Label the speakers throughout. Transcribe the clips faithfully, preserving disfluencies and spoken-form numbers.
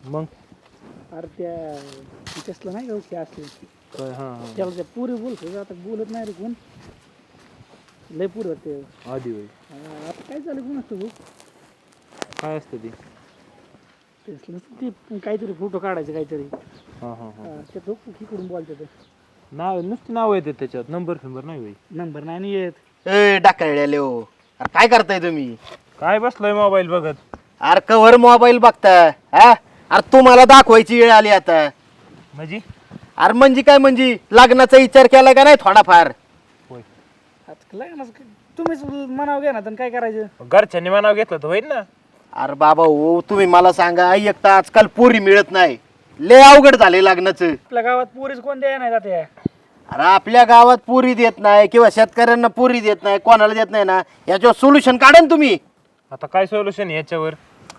Speaker 1: मग
Speaker 2: अरे त्या तिच्यासला नाही का ओके असते
Speaker 1: काय हा हा
Speaker 2: त्याला त्या पुरी बोलतो आता बोलत नाही रे कोण लय पुरी होते
Speaker 1: आधी होय
Speaker 2: आता काय झालं कोण असतं भाऊ
Speaker 1: काय असतं ते
Speaker 2: तेच ती काहीतरी फोटो काढायचे काहीतरी
Speaker 1: हा हा हा
Speaker 2: ते धोक इकडून बोलतात
Speaker 1: नाव नुसती नाव येतात त्याच्यात नंबर फिंबर नाही होई
Speaker 2: नंबर नाही आणि येत
Speaker 3: ए डाकळले हो अरे काय करताय तुम्ही
Speaker 1: काय बसलाय मोबाईल बघत
Speaker 3: अरे कवर मोबाईल बघता हा अरे तुम्हाला दाखवायची वेळ आली आता
Speaker 1: म्हणजे
Speaker 3: अरे म्हणजे काय म्हणजे लग्नाचा विचार केला का नाही थोडाफार
Speaker 1: होय
Speaker 2: आता लग्न तुम्हीच म्हणावं घ्या ना तर काय करायचं
Speaker 1: घरच्यांनी मनाव घेतलं तर होईल ना
Speaker 3: अरे बाबा हो तुम्ही मला सांगा एक तर आजकाल पोरी मिळत नाही लय अवघड झाले लग्नाचं
Speaker 2: आपल्या गावात पुरीच कोण द्याय नाही जाते
Speaker 3: अरे आपल्या गावात पुरी देत नाही किंवा शेतकऱ्यांना पुरी देत नाही कोणाला देत नाही ना याच्यावर सोल्युशन काढा ना तुम्ही
Speaker 1: आता काय सोल्युशन याच्यावर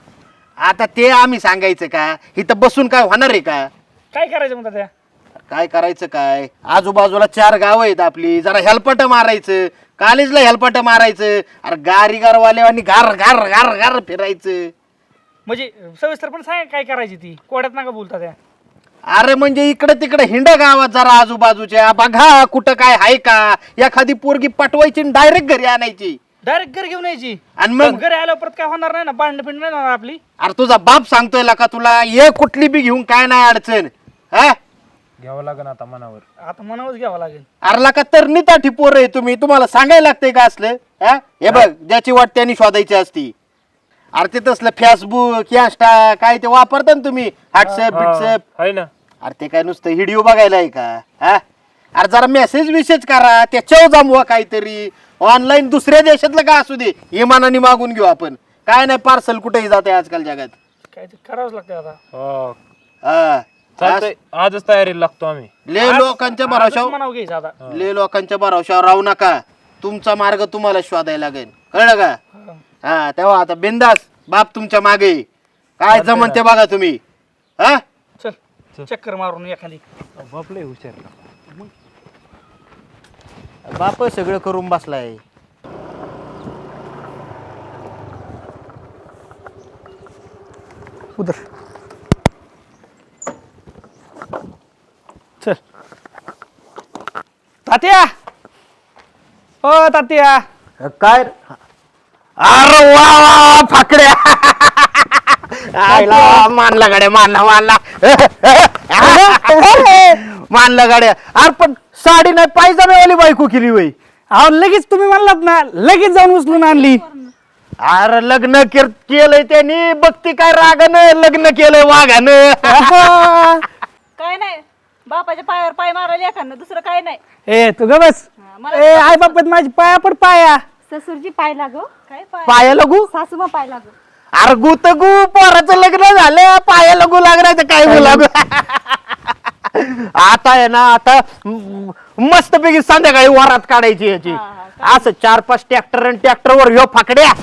Speaker 3: आता ते आम्ही सांगायचं का इथं बसून काय होणार आहे का
Speaker 2: काय करायचं म्हणतात त्या
Speaker 3: काय करायचं काय आजूबाजूला चार गावं आहेत आपली जरा हेलपट मारायचं कॉलेजला हेलपट मारायचं अरे गारी गारवाल्यावानी गार गार गार गार फिरायचं
Speaker 2: म्हणजे सविस्तर पण सांग काय करायची ती कोड्यात नका बोलता त्या
Speaker 3: अरे म्हणजे इकडे तिकडे हिंड गावात जरा आजूबाजूच्या बघा कुठं काय आहे का एखादी पोरगी पटवायची डायरेक्ट घरी आणायची
Speaker 2: डायरेक्ट घर घेऊन यायची
Speaker 3: आणि मग
Speaker 2: घरी आल्यावर परत काय होणार नाही ना भांडण पिंड नाही होणार आपली
Speaker 3: अरे तुझा बाप सांगतोय का तुला ये कुठली बी घेऊन काय नाही अडचण हा
Speaker 1: घ्यावं लागेल आता मनावर
Speaker 2: आता मनावच घ्यावं लागेल
Speaker 3: अरला का तर निताठी पोर आहे तुम्ही तुम्हाला सांगायला लागतंय का असलं हा हे बघ ज्याची वाट त्यांनी शोधायची असती अरे ते तसलं फेसबुक इंस्टा काय ते वापरता ना तुम्ही व्हॉट्सअप बिट्सअप
Speaker 1: आहे ना
Speaker 3: अरे ते काय नुसतं व्हिडिओ बघायला आहे का हा अरे जरा मेसेज विसेज करा त्याच्यावर जमवा काहीतरी ऑनलाईन दुसऱ्या देशातलं का असू दे इमानाने मागून घेऊ आपण काय नाही पार्सल कुठेही जाते आजकाल जगात
Speaker 2: काय ते करावंच लागतं आता
Speaker 1: हो
Speaker 3: हा
Speaker 1: चालतंय आजच तयारीला लागतो आम्ही
Speaker 3: ले लोकांच्या भरोशावर
Speaker 2: मनाव घ्यायचं आता
Speaker 3: ले लोकांच्या भरोशावर राहू नका तुमचा मार्ग तुम्हाला शोधायला लागेल कळलं का हा तेव्हा आता बिंदास बाप तुमच्या मागे काय जमन ते बघा तुम्ही हा
Speaker 2: चल चक्कर मारून एखादी
Speaker 1: बापले हुशार
Speaker 3: बाप सगळं करून बसलाय
Speaker 2: उधर चल तात्या ओ तात्या
Speaker 3: काय अरे वा वा फाकड्या आयला मानला गाड्या मानला मानला मानला गाड्या अरे पण साडी नाही पायजामेवाली बायको केली वय
Speaker 2: अहो लगेच तुम्ही म्हणलात ना लगेच जाऊन उचलून आणली
Speaker 3: अरे लग्न केर- केलंय त्यांनी बघती काय रागानं लग्न केलंय वाघानं
Speaker 4: काय नाही बापाच्या पायावर पाय मारायला एखादं दुसरं काय नाही
Speaker 2: ए तू ग बस
Speaker 4: हा, मला
Speaker 2: ए आई बापत माझी पाया पड पाया
Speaker 4: ससुरजी पाय लागो काय पाय
Speaker 3: पाया लगू
Speaker 4: सासूमा पाय लागो
Speaker 3: अरे गु तर गु पोराचं लग्न झालं पाया लगू लागणार काय गु लागू आता आहे ना आता मस्त पैकी संध्याकाळी वरात काढायची याची असं चार पाच ट्रॅक्टर आणि ट्रॅक्टर वर ह्यो फाकड्या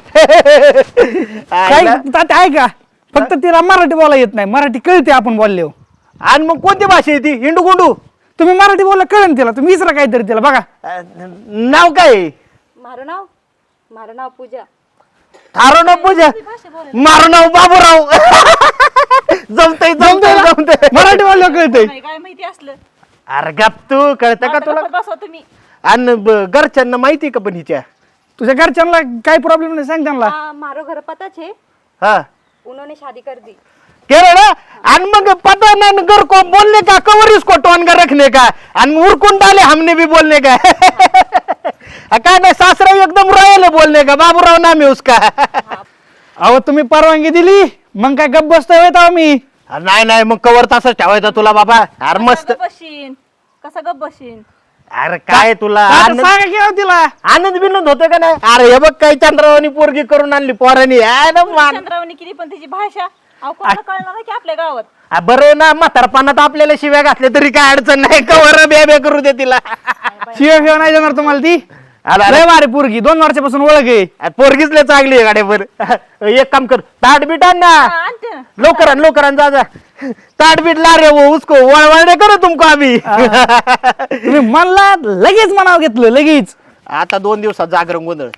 Speaker 2: काय तात्या आहे का फक्त तिला मराठी बोला येत नाही मराठी कळते आपण बोलले
Speaker 3: आणि मग कोणती भाषा आहे ती हिंडू गुंडू
Speaker 2: तुम्ही मराठी बोलला कळेल तिला तुम्ही विसरा काहीतरी तिला बघा
Speaker 3: नाव काय आहे?
Speaker 4: मारं नाव मारं नाव पूजा
Speaker 3: थारो नाव पूजा मारू नाव बाबूराव जमतय जमतय जमतय
Speaker 2: मराठी बोललं कळतंय
Speaker 4: नाही काय माहिती असलं
Speaker 3: अरे गप तू कळतं का तुला
Speaker 4: बसवा तुम्ही
Speaker 3: आणि ब- घरच्यांना माहिती का पण हिच्या
Speaker 2: तुझ्या घरच्यांना काही प्रॉब्लेम नाही सांग त्यांना
Speaker 4: हाँ मारो घर पता छे
Speaker 3: हा
Speaker 4: उन्होंने शादी कर दी
Speaker 3: केलं ना आणि मग पता ना घर को बोलने का कवर इसको टोन कर रखने का आणि उरकून डाले हमने भी बोलने का काय नाही सासरा एकदम रॉयल है बोलने का बाबूराव नाम है उसका
Speaker 2: अहो तुम्ही परवानगी दिली मग काय गप्प बसतोय होय तेव्हा मी
Speaker 3: नाही नाही मग कवर तसंच ठेवायचा तुला बाबा अरे मस्त
Speaker 4: गप बशीन कसा गप बशीन
Speaker 3: अरे काय तुला
Speaker 2: आता
Speaker 3: आनंद
Speaker 2: सांगा की अहो तिला
Speaker 3: आनंद बिनंद होतं का नाही अरे हे बघ काही चंद्रावानी पोरगी करून आणली पोरानी आहे ना मान
Speaker 4: चंद्रावणी केली पण तिची भाषा अहो कोणाला कळणार आहे की आपल्या गावात
Speaker 3: आ, बरं ना म्हातारपणात आपल्याला शिव्या घातल्या तरी काय अडचण नाही कवर बे बे करू दे तिला
Speaker 2: शिवाय शिवाय नाही जाणार तुम्हाला ती
Speaker 3: अरे,
Speaker 2: लय भारी पोरगी दोन वर्षापासून ओळख आहे
Speaker 3: आ, पोरगीच लय चांगली आहे गाड्यावर एक काम कर ताट बीट आण ना
Speaker 4: हा, आणते ना
Speaker 3: लवकर आण लवकर आण जा जा ताट बीट ला रे वो उसको वळवळ करो तुमको अभी
Speaker 2: तुम्ही म्हणला लगेच मनाव घेतलं लगेच
Speaker 3: आता दोन दिवसात जागरण गोंधळ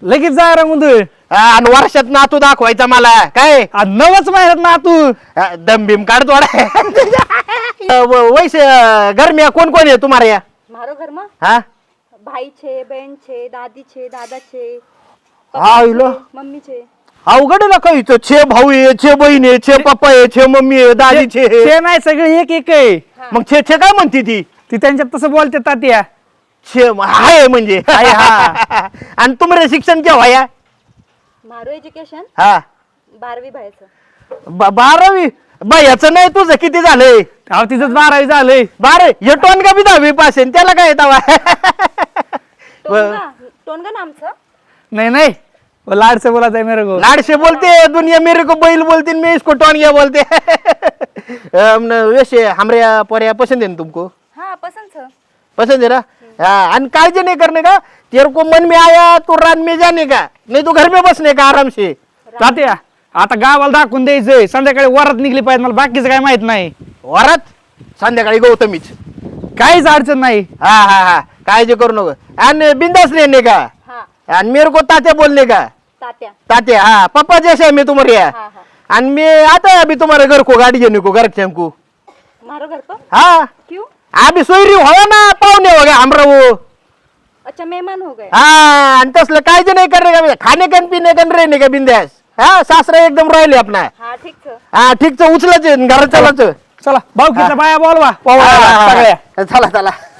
Speaker 2: लगेच जा रंगून तू
Speaker 3: आणि वर्षात नातू दाखवायचा मला काय
Speaker 2: नवच महिन्यात ना तू
Speaker 3: अ, दम बिम काढ थोडा वैसे घर में कोण कोण आहे तुम्हाला या
Speaker 4: મારો ઘરમાં
Speaker 3: हा
Speaker 4: ભાઈ છે બેન છે દાદી છે દાદા છે
Speaker 3: હા इलो
Speaker 4: મમ્મી છે
Speaker 3: अवघड ना काही तो छे भाऊ आहे छे बहीण आहे छे पप्पा आहे छे मम्मी आहे दादी छे
Speaker 2: ते नाही सगळे एक एक आहे
Speaker 3: मग छे छे काय म्हणते ती
Speaker 2: ती त्यांच्यात तसं बोलते तात्या
Speaker 3: छे हाय म्हणजे
Speaker 2: हाय, हा.
Speaker 3: आणि तुम्हाला शिक्षण केव्हा या
Speaker 4: મારું એજ્યુકેશન
Speaker 3: हा
Speaker 4: બારવી ભાઈ
Speaker 3: ब- बारावी बाई याचं नाही तुझं किती झालंय
Speaker 2: अहो तिथंच बारावी झालंय
Speaker 3: बारे हे टोन का बी दहावी पास आहे त्याला काय येतावा
Speaker 4: ટોનગા ટોનગા નામ છે
Speaker 2: नाही नाही वो लाड से बोला था मेरे को
Speaker 3: लाडशे बोलते दुनिया मेरे को बैल बोलती मैं इसको टोन गया बोलते अम, न, वैसे हमारे पोरिया पसंद है ना तुमको
Speaker 4: હા પસંદ છે
Speaker 3: पसंद है ना हाँ आणि काळजी नहीं करने का तेरे को मन में आया तो रात में जाने का नहीं तो घर में बसने का आराम से
Speaker 2: तात्या आता गावाला दाखवून द्यायचंय संध्याकाळी वरात निघली पाहिजे मला बाकीचं काय माहित नाही
Speaker 3: वरात संध्याकाळी गौतमीच
Speaker 2: काहीच अडचण नाही
Speaker 3: हा हा हा काळजी करू नको आणि बिंदास रहने का
Speaker 4: હા
Speaker 3: आणि मेरे को तात्या बोलने का
Speaker 4: તાત્યા
Speaker 3: तात्या हाँ पापा जैसे है मैं तुम्हारे यहाँ
Speaker 4: હા હા
Speaker 3: आणि मैं आता है अभी तुम्हारे घर को गाड़ी देने को घर के हमको
Speaker 4: મારો ઘર પર
Speaker 3: हाँ
Speaker 4: क्यों
Speaker 3: अभी सोयरी हो ना पाहुणे हो गया हमरा वो
Speaker 4: अच्छा मेहमान हो गए
Speaker 3: हाँ आणि तसलं काळजी नाही करणे का खाणे का पिणे का रहने का बिंदास हा सासरा एकदम राहिले आपला
Speaker 4: હા ઠીક છે
Speaker 3: हा ठीक उचलायचं घरात चालायचं
Speaker 2: चला भाऊ किती बाया बोलवा
Speaker 3: हा, हा, हा.
Speaker 2: सगळ्या
Speaker 3: चला चला